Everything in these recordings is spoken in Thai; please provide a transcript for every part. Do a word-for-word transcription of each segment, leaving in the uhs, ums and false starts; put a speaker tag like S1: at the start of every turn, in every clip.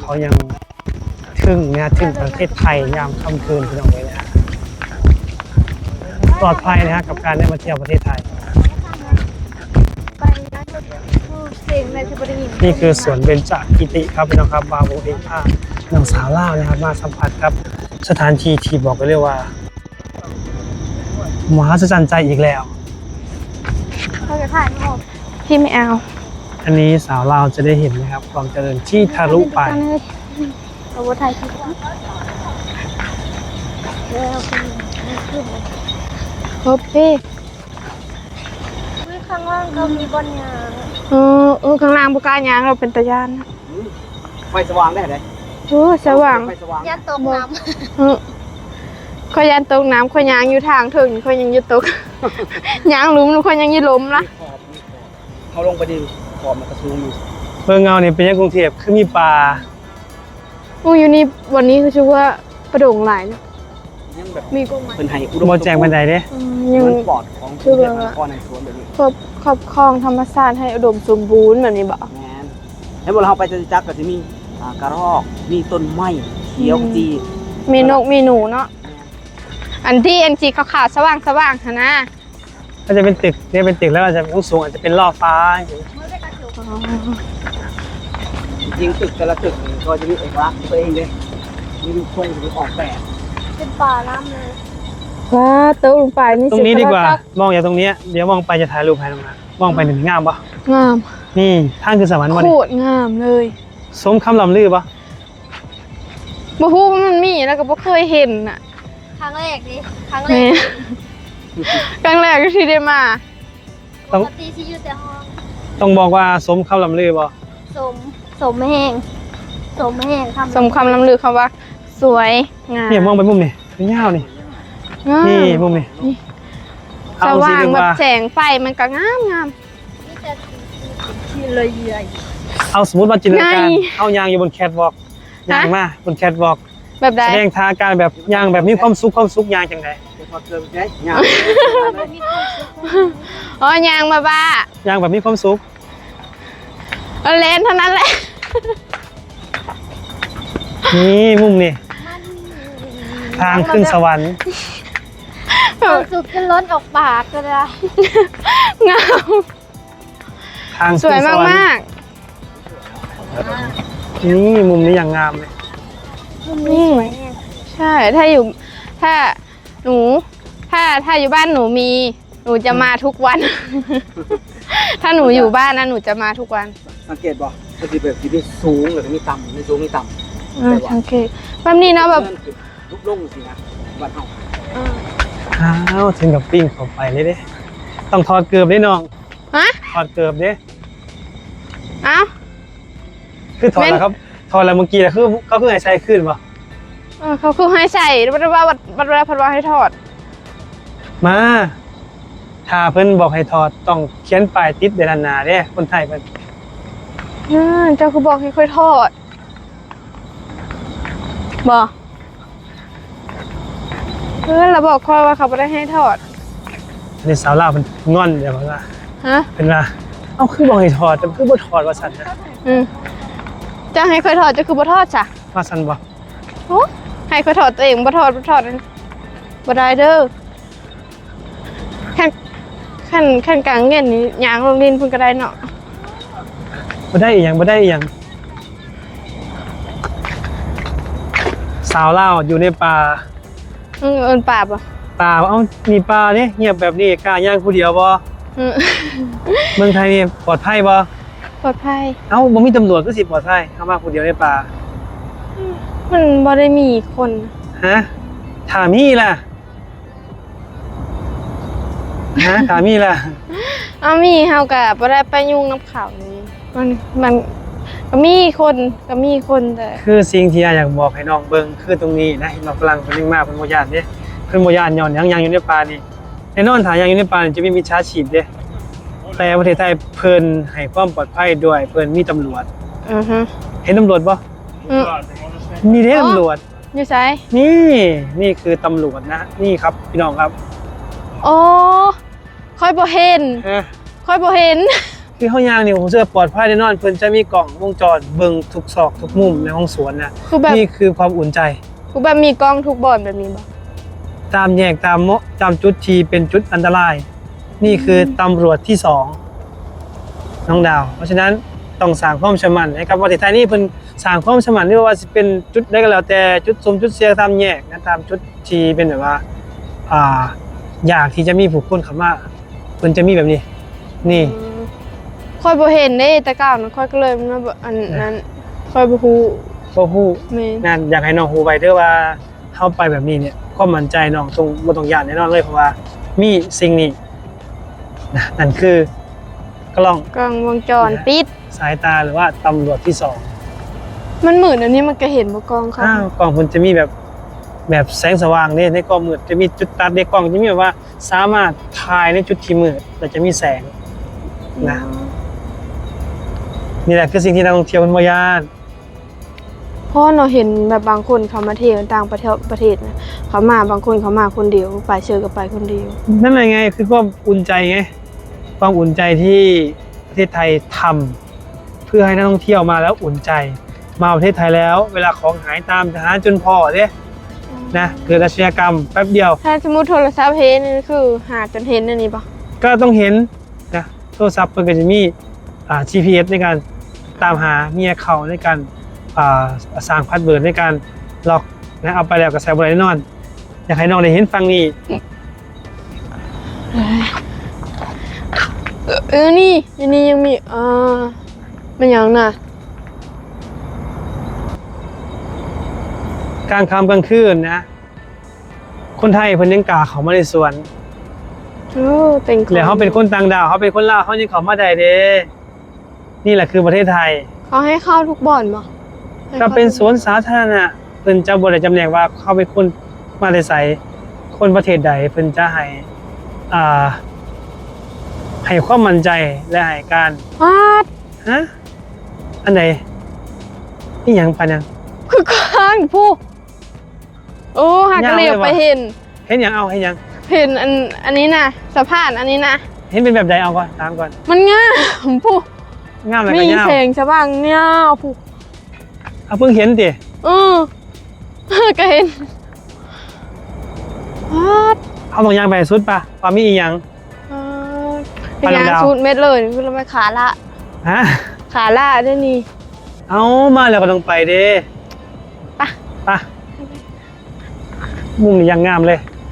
S1: เขายังทึ่งนะทึ่งประเทศไทยยามค่ำคืนพี่น้องเลยนะปลอดภัยนะฮะกับการได้มาเที่ยวประเทศไทยนี่คือสวนเบญจกิติครับพี่น้องครับบาโบเองค่ะน้องสาวเล่านะครับมาสัมผัสครับสถานที่ที่บอกไปเลยว่ามหัศจรรย์ใจอีกแล้ว
S2: เขาจะถ่ายรูปพี่ไม่เอา
S1: อันนี้สาวเราจะได้เห็นนะครับความเจริญที่ทะลุไป
S2: เราว่าถ่ายคลิปครบพี่ข้างล่างเขามีบอลยางเออเออข้างล่างบุกายางเราเป็นตะยานนะ
S3: ไฟสว่างได้ไหม
S2: โอ้สว่าง
S4: ยันตกน้ำ
S2: เออคอยยันตกน้ำคอยยางอยู่ทางถึงคอยยังยึดตกยางล้มคอยยังยึดล้มละ
S3: เขาลงไปดิขอบมันกระซูงอยู่
S1: เมืองเงาเนี่ยเป็นยังกรุงเทพคือมีป่า
S2: โอ้อยู่นี่วันนี้คือชื่อว่าประดงหลายนะมีกุ้งไหม
S1: เป็นไฮอุดมแจงบันไดเด้
S3: ยังปลอดของคือแบบก้อนในสวนแบบนี้
S2: ครอบครอบครองธรรมชาติให้อุดมสมบูรณ์แบบนี้บ่
S3: แมนแล้วเวลาเราไปจะจักก็จะมีกระรอกมีต้นไม้เขียวจี
S2: มีนกมีหนูเนาะอันที่อันจีขาวๆสว่างสว่างนะ
S1: ก็จะเป็นตึกเนี่ยเป็นตึกแล้วอาจจะสูงอาจจะเป็นล่อฟ้า
S3: จริงตึกแต่ละตึกก็จะมีเอกลักษณ์ตัวเองเลยมีรูปทรงหรือออกแบบ
S4: เป็นป่าน้ำเลย
S2: ว้าโต๊ะลงไปนี่
S1: ตรงนี้ดีกว่ามองอย่างตรงนี้เดี๋ยวมองไปจะถ่ายรูปให้ตรงนั้นมองไปหนึ่งงามปะ
S2: งาม
S1: นี่ท่านคือสวรรค์วัน
S2: โคตรงามเลย
S1: สมคำลำลือปะ
S2: บ่ฮู้ว่ามันมีแล้วก็บ่เคยเห็นน่ะ
S4: ครั้งแรกดิครั้งแรก
S2: ครั้งแรกที่ได้มา
S4: ปกติที่อยู่แต่ห้อง
S1: ต้องบอกว่าสมคำลำลือปะ
S4: สมสมแห้งสมแห้งคำ
S2: สมคำลำลือคำว่าสวยงาม
S1: เนี่ยมองไปมุมนี่เป็นยาวนี่นี่มุมนี่
S2: สว่างแบบแสงไฟมันก็งามงาม
S4: นี่จะทีเลยใหญ่
S1: เอาสมมติว่าจินตนาการเอายางอยู่บนแคทวอล์กยางมาบนแคทวอล์ก
S2: แบบใด
S1: แสดงท่าการแบบยางแบบมีความสุขความสุขยางจังไง
S2: อ๋อยางมาบ้
S1: ายางแบบมีความสุข
S2: เล่นเท่านั้นแหละ
S1: นี่มุมนี่ทางขึ้นสวรรค์
S4: ความสุขจะล้นออกปากก็ได้
S2: งาม
S1: ทาง
S2: สวยมากมาก
S1: นี่มุมนี้อย่างงามเลย
S2: นี่ใช่ถ้าอยู่ถ้าหนูถ้าถ้าอยู่บ้านหนูมีหนูจะมาทุกวันถ้าหนูอยู่บ้านนะหนูจะมาทุกวัน
S3: สังเกตบ่ก็คือแบบที่สูงหรือมีต่ำไม่สูงไม่ต่
S2: ำสังเกตแบบนี้นะแบบ
S3: ลุกลงสินะบ้านเฮา
S1: อ้าวถึงกับปิ้งเข้าไปเลยเด้ต้องถอดเกือบด้น้อง
S2: ฮะ
S1: ถอดเกือบเด้
S2: อ้าว
S1: คือถอดแล้วครับถอดแล้วเมื่อกี้คือเขาคือให้ใส่ขึ้นป่ะ
S2: เขาคือให้ใส่บัดว่าบัดบัดพัดว่าให้ถอด
S1: มาถ้าเพิ่นบอกให้ถอดต้องเขียนป้ายติดเดลันนาเด้คนไทยเพิ่น
S2: เจ้าคือบอกให้ค่อยถอดบอกเออเราบอกคอยว่าเขาไม่ได้ให้ถอด
S1: อันนี้สาวลาวเป็นงอนเดี๋ยวว่า
S2: ฮะ
S1: เป็นว่าเอ้าคือบอกให้ถอดแต่คือบ่ถอดว่าสั่นนะ
S2: อืมจะให้ค่อยถอดจะคือบ่ถอดจ้ะ
S1: ว่าสั่นบ่
S2: โอ้ให้ค่อยถอดตัวเองบ่ถอดบ่ถอดบ่ได้เด้อขั้นขั้นขั้นกลางเงี้ยนี่ยางลงดินเพิ่นก็ได้เนาะ
S1: บ่ได้อีหยังบ่ได้อีหยังสาวลาวอยู่ในป่า
S2: เออเอิ้นป่าบ่
S1: ป่าเอ้ามีป่าเด้เงียบแบบนี้กล้าย่างผู้เดียวบ่เมืองไทยนี่ปลอดภัยบ่
S2: ปลอดภัย
S1: เอ้าบ่มีตำรวจก็สิปลอดภัยเข้ามาผู้เดียวในป่า
S2: มันบ่ได้มีคน
S1: ฮะถ้ามีล่ะฮะถามีล่ะ
S2: อ้ามีเฮาก็บ่ได้ไปยุ่งน้ำข่าวนี้มันมันก็มีคนก็มีคนแต่
S1: คือสิ่งที่อยากบอกให้น้องเบิ่งคือตรงนี้นะเราฝรั่งคนนึงมาเพิ่นบ่ย่านเด้เพิ่นบ่ย่านย้อนหยังยังอยู่ในป่านี่แน่นอนถ้ายังอยู่ในป่าจะมีมิจฉาชีพเด้แต่ประเทศไทยเพิ่นให้ความปลอดภัยด้วยเพิ่นมีตำรวจ
S2: อือฮึ
S1: เห็นตำรวจบ่นี่เด้ตำรวจ
S2: อยู่ไส
S1: นี่นี่คือตำรวจนะนี่ครับพี่น้องครับ
S2: อ๋อค่อยบ่เห็นค่อยบ่เห็น
S1: คือเขายางนี่ผมเชื่อปลอดภัยแน่นอนเพิ่นจะมีกล่องวงจรเบิ่งทุกซอกทุกมุมในห้องสวนนะ
S2: คือแบบ
S1: นี่คือความอุ่นใจ
S2: คือแบบมีกล้องทุกบ่อนแบบนี้บ่
S1: ตามแยกตามเมาะตามจุดที่เป็นจุดอันตราย นี่คือตำรวจที่สองน้องดาว เพราะฉะนั้นต้องสร้างความเชื่อมั่นให้กับประเทศไทยนี่เพิ่นสร้างความเชื่อมั่นไม่ว่าสิเป็นจุดใดก็แล้วแต่จุดสมจุดเสียตามแยกนะตามจุดที่เป็นแบบว่าอ่าอยากที่จะมีผู้คนเข้ามาเพิ่นจะมีแบบนี้ นี่
S2: ค่อยบ่เห็นเด้แต่ก้าวนั้นค่อยก็เลยมาบ่อันนั้นค่อยบ่ฮู้
S1: บ่ฮู้
S2: แม่น
S1: นั่นอยากให้น้องฮู้ไว้เด้อว่าเฮาไปแบบนี้เนี่ยความมั่นใจน้องต้องบ่ต้องย่านแน่นอนเลยเพราะว่ามีสิ่งนี้นะนั่นคือกล้อง
S2: กล้องวงจรปิด
S1: สายตาหรือว่าตำรวจที่สอง
S2: มันมืดอันนี้มันก็เห็นบ่กล้องค่ะ
S1: อ้าวกล้องมันจะมีแบบแบบแสงสว่างเนี่ยในกล้องมืดจะมีจุดตัดในกล้องจะมีแบบว่าสามารถถ่ายในจุดที่มืดแต่จะมีแสงนะนี่แหละคือสิ่งที่นักท่องเที่ยวมันบ่ย่าน
S2: เพราะเราเห็นแบบบางคนเขามาเที่ยวต่างประเทศประเทศนะเขามาบางคนเขามาคนเดียวไปเชิญก็ไปคนเดียว
S1: นั่นแหละไงคือความอุ่นใจไงความอุ่นใจที่ประเทศไทยทำเพื่อให้นักท่องเที่ยวมาแล้วอุ่นใจ มาประเทศไทยแล้ว เวลาของหายตามจะหาจนพอเด้นะเกิดอาชญากรรมแป๊บเดียว
S2: ถ้าสมมติโทรศัพท์เห็นนี่คือหาจนเห็นอันนี้ปะ
S1: ก็ต้องเห็นนะโทรศัพท์เพิ่นก็จะมีอ่า จี พี เอส ในการตามหาเมียเขาในการอ่าสร้างพาสเวิร์ดในการล็อกนะเอาไปแล้วก็ใส่บ่ได้แน่นอน อยากให้น้องได้เห็นฟังนี้
S2: เออนี่อันนี้ยังมีอ่ามันยังน่ะ
S1: กลางค่ำกลางคืนนะ คนไทยเพิ่นยังกล้าเข้ามาในสวน
S2: โอ้เป็นคน
S1: แล้วเขาเป็นคนต่างดาวเขาเป็นคนลาวเขายังเข้ามาได้เด้นี่แหละคือประเทศไทย
S2: เขาให้เข้าทุกบ่อนปะให้
S1: ก็
S2: ข้า
S1: เป็นสวนสาธารณะเพิ่นจะบ่ได้จำแนกว่าเขาเป็นคนมาแต่ไสคนประเทศใดเพิ่นจะให้อ่าให้ความมั่นใจและให้การ
S2: วาด
S1: ฮะอันไหนนี่หยังปานยัง
S2: คือข้างผู้โอ้หากระเหลียบไปเห็น
S1: เห็นหยังเอาเห็นหยัง
S2: เห็นอันอันนี้นะสะพานอันนี้นะ
S1: เห็นเป็นแบบใดเอาก่อนถามก่อน
S2: มันง่ามผู้
S1: งามอะไร
S2: มี
S1: กันยาว
S2: แสงสว่างเงาผู้
S1: เอาเพิ่งเห็นติ
S2: เออ ก็เห็นวาด
S1: เอาตรงยางไปสุดปะว่ามีอีหยัง
S2: วาด
S1: ไป
S2: เป็น
S1: ลำ
S2: ยา
S1: ดาว
S2: ชุดเม็ดเลยคือเราไม่ขาละ
S1: ฮะ
S2: ขาละได้นี่
S1: เอามาแล้วก็ต้องไปเด้
S2: ไป
S1: ไปมุมนี้ยังงามเลย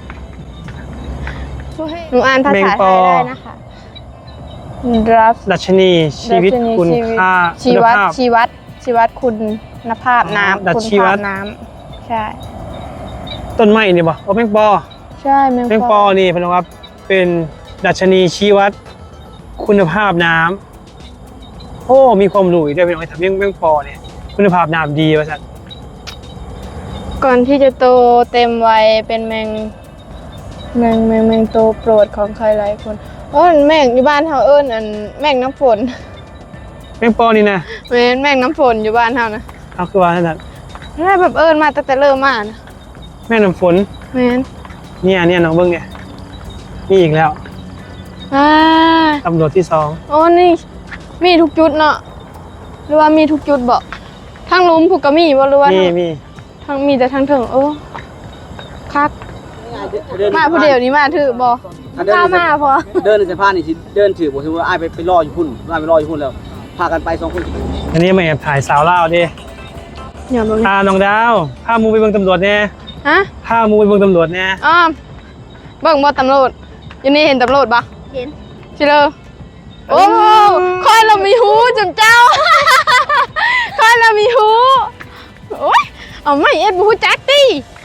S2: หนูอ่านภา
S1: แมง
S2: ษา
S1: ป
S2: ไท
S1: อ
S2: ยได้นะคะรับ
S1: ดัชนีชีวิตคุณค่า
S2: ชี
S1: คุณ
S2: วัด
S1: ภาพ
S2: ชีวัดชีวัดคุณภาพน้ำ
S1: ดัช
S2: คุณ
S1: ชีวั
S2: ภา
S1: ด
S2: พน้ำใช่
S1: ต้นไม้นี่บ่เอาแมงปอ
S2: ใช่แมง
S1: แมงปอนี่เป็นว่าเป็นดัชนีชี้วัดคุณภาพน้ำโอ้มีความรู้อีกด้วยเป็นไงทำยังแมงปอเนี่ยคุณภาพน้ำดีว่าสัตว์
S2: ก่อนที่จะโตเต็มวัยเป็นแมงแมงแมงแมงโตโปรดของใครหลายคนโอ้ยแมงอยู่บ้านเฮาเอิ้นอันแมงน้ำฝน
S1: แมงปอนี่นะ
S2: แม่นแมงน้ำฝนอยู่บ้านเฮานะ
S1: เอาคือว่าสัตว์
S2: แม่แบบเอิ้นมาตั้งแต่เริ่มมานะ
S1: แม่น้ำฝน
S2: แม่น
S1: เนี่ยเนี่ยน้องเบิ้งเนี่ยนี่อีกแล้ว
S2: อ่า
S1: ตำรวจที่สอง
S2: โอ้นี่มีทุกจุดเนาะหรือว่ามีทุกจุดบ่ทางหลุมผูกก็มีบ่หรือว่า
S1: มี
S2: ทาง
S1: มี
S2: ทางมีแต่ทางถึงโอ้คักมาผู้เดียวนี้มาถือบ่
S3: ถ้าเดิน
S2: ข้ามาพอ
S3: เดินในสะพานนี่สิเดินถือบ่ถือว่าอ้ายไปไปรออยู่พุ่นอ้ายไปรออยู่พุ่นแล้ว พากันไปสองคน
S1: อันนี้มาแอบถ่ายสาวลาวดิ
S2: อย่าบ่
S1: พาน้องดาวพามูไปเบิ่งตำรวจแน่
S2: ฮะ
S1: พามูไปเบิ่งตำรวจแน่
S2: อ้อมเบิ่งบ่ตำรวจอยู่นี่เห็นตำรวจบ่
S4: เห็น
S2: ชิเลอโอ้คอยเรามีหูจุ่มเจ้า คอยเรามีหูโอ้ยเอาไม่เอ็ดบูจักตี้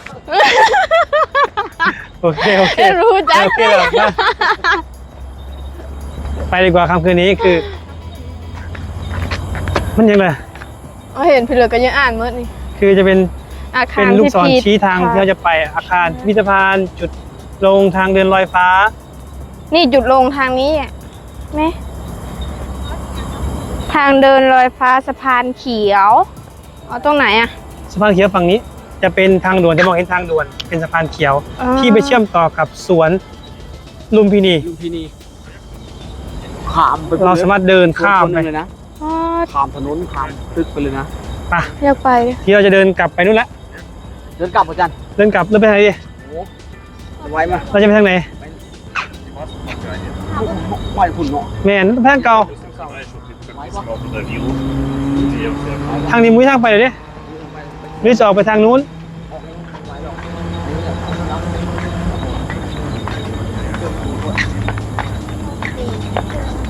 S1: โอเคโอเค
S2: เอ็ดบูจัก
S1: โอเค
S2: ตี้
S1: แล้วนะไปดีกว่าคำคืนนี้คือ มันยังไง
S2: เอาเห็นพี่เหลือก็ยังอ่านเมื่อนี่
S1: คือจะเป็น
S2: อาคา
S1: เป็
S2: ร
S1: นลูก
S2: ที่
S1: ศร
S2: ผิด
S1: ชี้ทางที่เราจะไปอาคารพิพิธภัณฑ์จุดลงทางเดินลอยฟ้า
S2: นี่จุดลงทางนี้อ่ะไหมทางเดินลอยฟ้าสะพานเขียวเอาตรงไหนอ่ะ
S1: สะพานเขียวฝั่งนี้ จะเป็นทางด่วนจะมองเห็นทางด่วน เป็นสะพานเขียว
S2: อ๋อ
S1: ที่ไปเชื่อมต่อกับสวนลุมพินี
S3: ลุมพินีข้ามไป
S1: เราสามารถเดินข้ามไป
S3: เลยนะ
S2: อ๋อ
S3: ข้ามถนนข้ามตึกไปเลยนะ
S1: ไป
S2: อยากไป
S1: ที่เราจะเดินกลับไปนู่นละ
S3: เดินกลับอาจารย์
S1: เดินกลับเดินไปทางไหนดี
S3: โอ้ไว้มา
S1: เราจะไปทางไหน
S3: ไว้คุณเนาะ
S1: แม่นไปทางเก่า
S3: ไว้ปะ
S1: ทางนี้มุ้ยทางไปเลยดิหรือจะออกไปทางนู้น
S3: ไว้หรอก
S4: ส